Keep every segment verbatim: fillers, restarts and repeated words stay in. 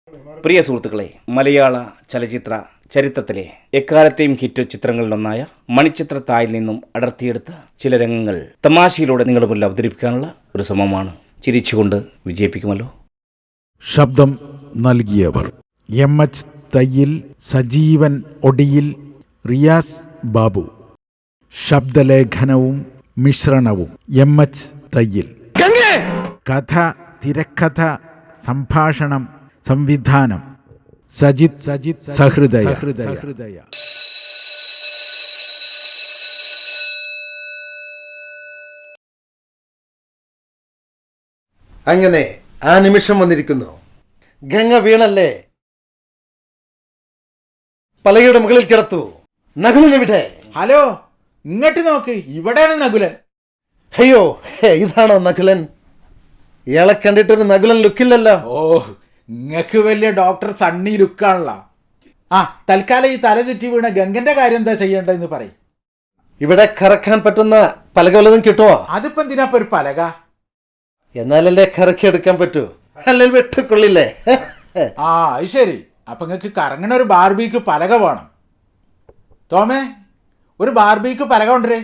പ്രിയ സുഹൃത്തുക്കളെ, മലയാള ചലച്ചിത്ര ചരിത്രത്തിലെ എക്കാലത്തെയും ഹിറ്റ് ചിത്രങ്ങളിലൊന്നായ മണിച്ചിത്രത്താഴിൽ നിന്നും അടർത്തിയെടുത്ത ചില രംഗങ്ങൾ തമാശയിലൂടെ നിങ്ങളുടെ മുന്നിൽ അവതരിപ്പിക്കാനുള്ള ഒരു ശ്രമമാണ്. ചിരിച്ചുകൊണ്ട് വിജയിപ്പിക്കുമല്ലോ. ശബ്ദം നൽകിയവർ: എം എച്ച് തയ്യിൽ, സജീവൻ ഒടിയിൽ, റിയാസ് ബാബു. ശബ്ദലേഖനവും മിശ്രണവും എം എച്ച് തയ്യിൽ. കഥ, തിരക്കഥ, സംഭാഷണം, സംവിധാനം സജിത് സജിത് സഹൃദയ. അങ്ങനെ ആ നിമിഷം വന്നിരിക്കുന്നു. ഗംഗ വീണല്ലേ, പലകയുടെ മുകളിൽ കിടത്തു. നകുലനെവിടെ? ഹലോ, ഇങ്ങോട്ട് നോക്ക്, ഇവിടെയാണ് നകുലൻ. അയ്യോ, ഇതാണോ നകുലൻ? ഇയാളെ കണ്ടിട്ടൊരു നകുലൻ ലുക്കില്ലല്ലോ. ഓ, ഇങ്ങക്ക് വലിയ ഡോക്ടർ സണ്ണി ലുക്കാണല്ലോ. ആ, തൽക്കാലം ഈ തല ചുറ്റി വീണ ഗംഗന്റെ കാര്യം എന്താ ചെയ്യേണ്ടതെന്ന് പറയും. ഇവിടെ കറക്കാൻ പറ്റുന്ന പലക വല്ലതും കിട്ടുമോ? അതിപ്പോ എന്തിനാപ്പൊ ഒരു പലക? എന്നാലല്ലേ കറക്കി എടുക്കാൻ പറ്റൂ, അല്ലെങ്കിൽ വെട്ടിക്കൊള്ളില്ലേ? ആ, അത് ശരി. അപ്പൊ നിങ്ങക്ക് കറങ്ങണ ഒരു ബാർബിക്ക് പലക വേണം. തോമേ, ഒരു ബാർബിക്ക് പലക കൊണ്ടേ.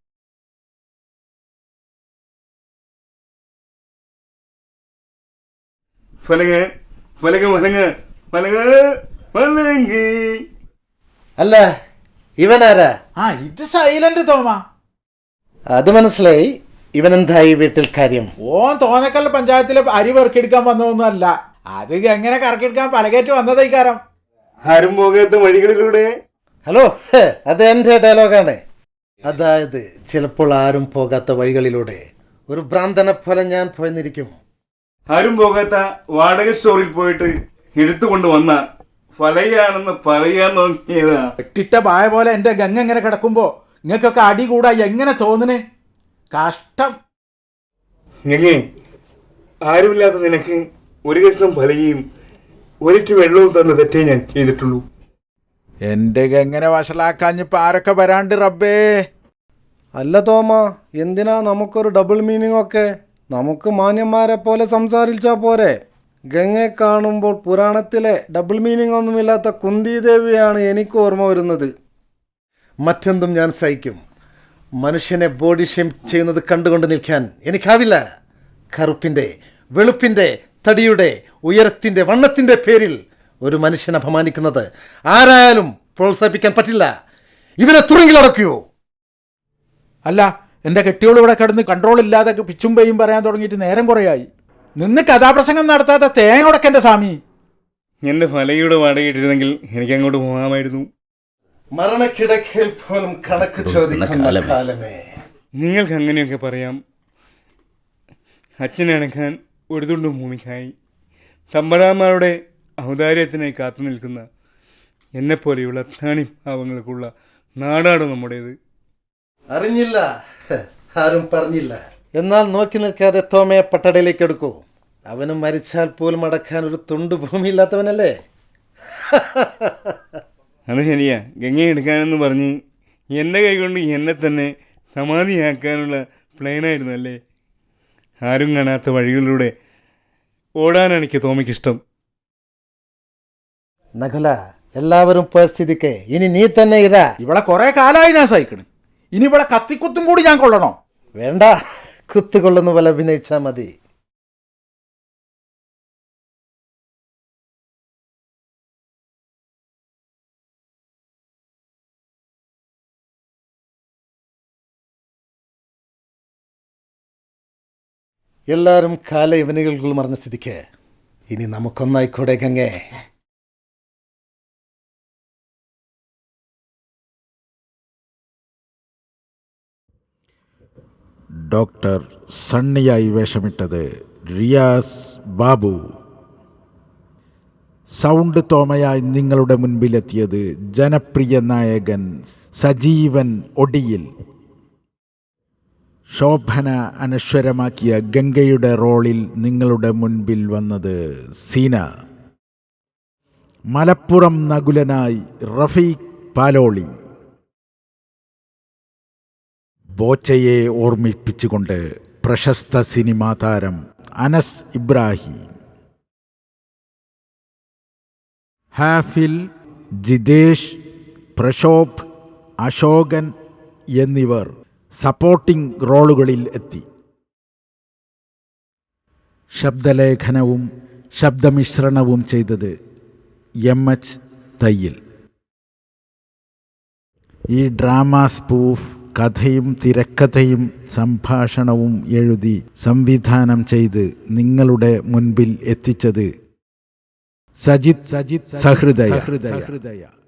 അല്ല, ഇവനാരാ? ആ, ഇത് സൈലന്റ് തോമ. അത് മനസ്സിലായി. ഇവനെന്തായി വീട്ടിൽ കാര്യം? ഓൻ തോന്നക്കല്ല പഞ്ചായത്തിലെ അരി പെറുക്കിയെടുക്കാൻ വന്നതൊന്നും അല്ല. അത് എങ്ങനെ കറക്കിയെടുക്കാൻ പലകേറ്റ് വന്നതൈക്കാരം. ആരും പോകാത്ത വഴികളിലൂടെ. ഹലോ, അത് എന്റെ ഡയലോഗാണ്. അതായത് ചിലപ്പോൾ ആരും പോകാത്ത വഴികളിലൂടെ ഒരു ഭ്രാന്തനെ പോലെ ഞാൻ പോയെന്നിരിക്കും. ആരും പോകാത്ത വാടക സ്റ്റോറിൽ പോയിട്ട് എടുത്തുകൊണ്ട് വന്ന ഫലയാണെന്ന് പറയാൻ നോക്കിയതാ. വെട്ടിട്ട പായ പോലെ എന്റെ ഗംഗ എങ്ങനെ കിടക്കുമ്പോ നിങ്ങൾക്കൊക്കെ അടി കൂടാ എങ്ങനെ തോന്നുന്നേ? കഷ്ടം. ഞങ്ങേ, ആരുമില്ലാത്ത നിനക്ക് ഒരു കഷ്ണം ഫലയും ഒരിറ്റു വെള്ളവും തന്ന തെറ്റേ ഞാൻ ചെയ്തിട്ടുള്ളൂ. എന്റെ ഗംഗനെ വഷളാക്കാഞ്ഞിപ്പോ ആരൊക്കെ വരാണ്ട് റബ്ബേ. അല്ല തോമ, എന്തിനാ നമുക്കൊരു ഡബിൾ മീനിങ് ഒക്കെ? നമുക്ക് മാന്യന്മാരെ പോലെ സംസാരിച്ചാൽ പോരെ? ഗംഗയെ കാണുമ്പോൾ പുരാണത്തിലെ ഡബിൾ മീനിങ് ഒന്നുമില്ലാത്ത കുന്തിദേവിയാണ് എനിക്ക് ഓർമ്മ വരുന്നത്. മറ്റെന്തും ഞാൻ സഹിക്കും. മനുഷ്യനെ ബോഡി ഷെയിം ചെയ്യുന്നത് കണ്ടുകൊണ്ട് നിൽക്കാൻ എനിക്കാവില്ല. കറുപ്പിൻ്റെ, വെളുപ്പിൻ്റെ, തടിയുടെ, ഉയരത്തിൻ്റെ, വണ്ണത്തിൻ്റെ പേരിൽ ഒരു മനുഷ്യനെ അപമാനിക്കുന്നത് ആരായാലും പ്രോത്സാഹിപ്പിക്കാൻ പറ്റില്ല. ഇവനെ തുറങ്കിലടക്കുകയോ? അല്ല, എന്റെ കെട്ടിയോട് ഇവിടെ കിടന്ന് കൺട്രോൾ ഇല്ലാതെ പിച്ചും പെയ്യും പറയാൻ തുടങ്ങിയിട്ട് നേരം കുറയായി. നിന്ന് കഥാപ്രസംഗം നടത്താത്ത തേങ്ങ ഉടക്കന്റെ സ്വാമി. എന്റെ ഫലയുടെ വാടക ഇട്ടിരുന്നെങ്കിൽ എനിക്ക് അങ്ങോട്ട് പോകാമായിരുന്നു. മരണക്കിടക്കയിൽ പോലും കണക്ക് ചോദിക്കുന്ന കാലമേ. നിങ്ങൾക്ക് അങ്ങനെയൊക്കെ പറയാം. അച്ഛനടക്കാൻ ഒരു തുണ്ട് ഭൂമിക്കായി തമ്പരാന്മാരുടെ ഔദാര്യത്തിനായി കാത്തു നിൽക്കുന്ന എന്നെപ്പോലെയുള്ള താണി ഭാവങ്ങൾക്കുള്ള നാടാണ് നമ്മുടേത്. അറിഞ്ഞില്ല, ആരും പറഞ്ഞില്ല. എന്നാൽ നോക്കി നിൽക്കാതെ തോമയെ പട്ടടയിലേക്ക് എടുക്കൂ. അവനും മരിച്ചാൽ പോലും അടക്കാൻ ഒരു തുണ്ട് ഭൂമിയില്ലാത്തവനല്ലേ? അത് ശരിയാ. ഗംഗയെ എടുക്കാനെന്ന് പറഞ്ഞ് എൻ്റെ കൈകൊണ്ട് എന്നെ തന്നെ സമാധിയാക്കാനുള്ള പ്ലാനായിരുന്നു അല്ലേ? ആരും കാണാത്ത വഴികളിലൂടെ ഓടാനാണ് എനിക്ക് തോമയ്ക്കിഷ്ടം. നകുല, എല്ലാവരും പോയ സ്ഥിതിക്ക് ഇനി നീ തന്നെ ഇതാ. ഇവിടെ കുറെ കാലമായി ഞാൻ സഹിക്കണ്. ഇനി ഇവിടെ കത്തിക്കുത്തും കൂടി ഞാൻ കൊള്ളണോ? വേണ്ട, കുത്തുകൊള്ളുന്ന പോലെ അഭിനയിച്ചാ മതി. എല്ലാവരും കാല യവനികൾക്കുള്ള മറഞ്ഞ സ്ഥിതിക്ക് ഇനി നമുക്കൊന്നായിക്കൂടെ ഗംഗേ? ഡോക്ടർ സണ്ണിയായി വേഷമിട്ടത് റിയാസ് ബാബു. സൗണ്ട് തോമയായി നിങ്ങളുടെ മുൻപിലെത്തിയത് ജനപ്രിയ നായകൻ സജീവൻ ഒടിയിൽ. ശോഭന അനശ്വരമാക്കിയ ഗംഗയുടെ റോളിൽ നിങ്ങളുടെ മുൻപിൽ വന്നത് സീന. മലപ്പുറം നകുലനായി റഫീഖ് പാലോളി. ബോച്ചയെ ഓർമ്മിപ്പിച്ചുകൊണ്ട് പ്രശസ്ത സിനിമാ താരം അനസ് ഇബ്രാഹിം. ഹാഫിൽ, ജിതേഷ്, പ്രശോഭ്, അശോകൻ എന്നിവർ സപ്പോർട്ടിംഗ് റോളുകളിൽ എത്തി. ശബ്ദലേഖനവും ശബ്ദമിശ്രണവും ചെയ്തത് എം എച്ച് തയ്യിൽ. ഈ ഡ്രാമ സ്പൂഫ് കഥയും തിരക്കഥയും സംഭാഷണവും എഴുതി സംവിധാനം ചെയ്ത് നിങ്ങളുടെ മുൻപിൽ എത്തിച്ചത് സജിത് സജിത് സഹൃദയ.